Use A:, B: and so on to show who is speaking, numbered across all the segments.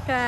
A: ค่ะ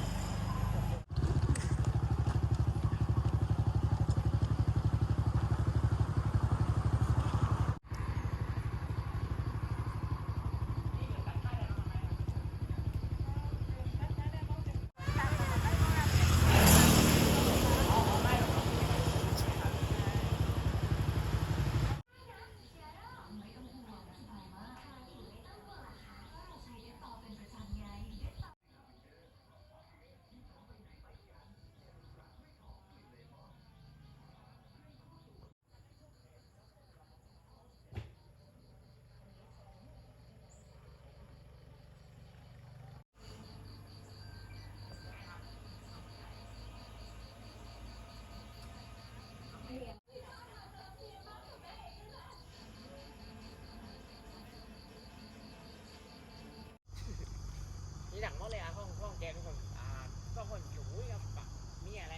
B: นี่หนังมอเลยอ่ะห้องแกทุกคนก็คนอยู่กับปะมีอะไร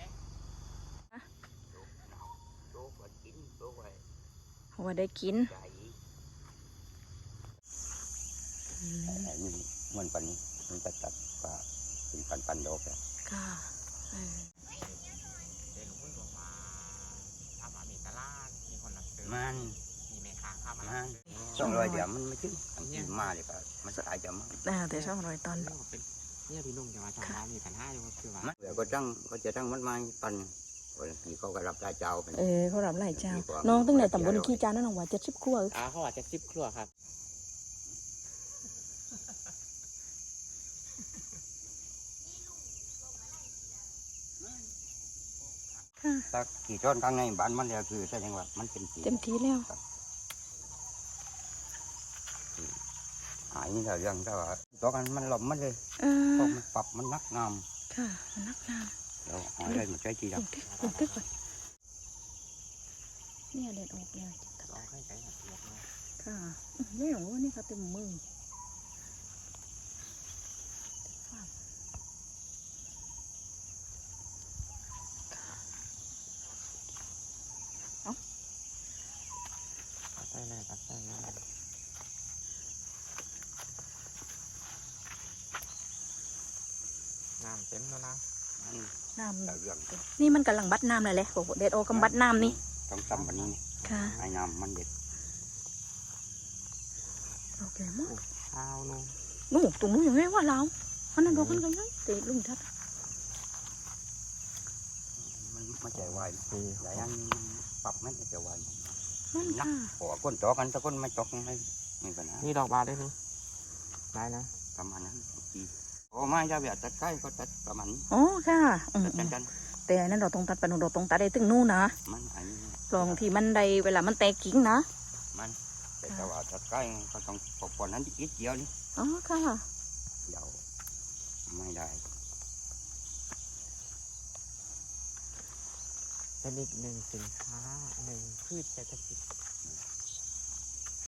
B: โต๊ะวันกินโต๊ะไว้
A: ว่าได้กิน
B: ใจนี่มันปันนี้มันตัดก็เป็นปันโลกแล้ว
A: ค่ะ
B: เด็กคนบอกว่าถ้ามามีตลาดมีคนรับซื้อมันมีแม่ค้าเข้ามา200เดี๋ยวมันไม่ถึงอันนี้มาเลยก็มันสายจะมาก
A: แต่ช่องรอยตอน
B: เนี่ยพี่นุ่งจะมาทำร้านมี1,500อยู่คือว่าเดี๋ยวก็จะตั้งมันมาปันวันนี้เขาก็รับรายเจ้าเป็น
A: เขารับรายเจ้าน้องตั้งแต่ตำบลขี้จานนั่นน้องว่า70 ครัว
B: เขาว่า70 ครัวครับถ้ากี่ต้นข้างในบ้านมันเนี่ยคือแสดงว่ามันเป็น
A: เต็มที่แล้ว
B: หายนี่แหละยังแต่ว่าตัวกันมันหลบมันเลยพอมันปรับมันนักงาม
A: ค่ะมันนักงาม
B: เราหายเลยมันใช้จีดับ
A: เนี่ยเด็ดออกเลย
B: ต้องให้ใจหัดเล็กน้อย
A: ค่ะไม่หรอกว่านี่ค่ะเต็มมือ
B: ได้เลยตัดได้เลยน้ำเต็มแล้วนะ
A: น้ำนี่มันกำลังบัดน้ำเลยแหละโอ้โหเด็ดโอกำบัดน้ำนี่
B: ต้องทำแบบนี้
A: ค่ะ
B: ไอ้น้ำมันเด็ด
A: โอเคมั้ง
B: ข้าวนู่น
A: ตรงนู้นอย่างไรว่าเราอันนั้นดอกกันกันยังตีลุงทัด
B: มันไม่ใจวายหลายอย่างปรับไม่ใจวาย
A: มันค่ะ
B: โอ้ก้นจอกันแต่ก้นไม่จอกไม่มีปัญหานี่ดอกบานได้ไหมได้นะประมาณนั้นโอ้ไม่จะแบบตัดใกล้ก็ตัดประมาณนี้
A: อ๋อค่ะ
B: กัน
A: แต่อันนั้นเราต้องตัดปนุเราต้องตัดได้ถึงนู่นนะ
B: มันอันนี้
A: ลองที่มันได้เวลามันแตกกิ่งนะ
B: มันแต่ว่าตัดใกล้ก็ต้องปนนั้นอีกเดียวนี่
A: อ๋อค่ะ
B: เดี๋ยวไม่ได้เป็นอีกหนึ่งสินค้าหนึ่งพืชเศรษฐกิจ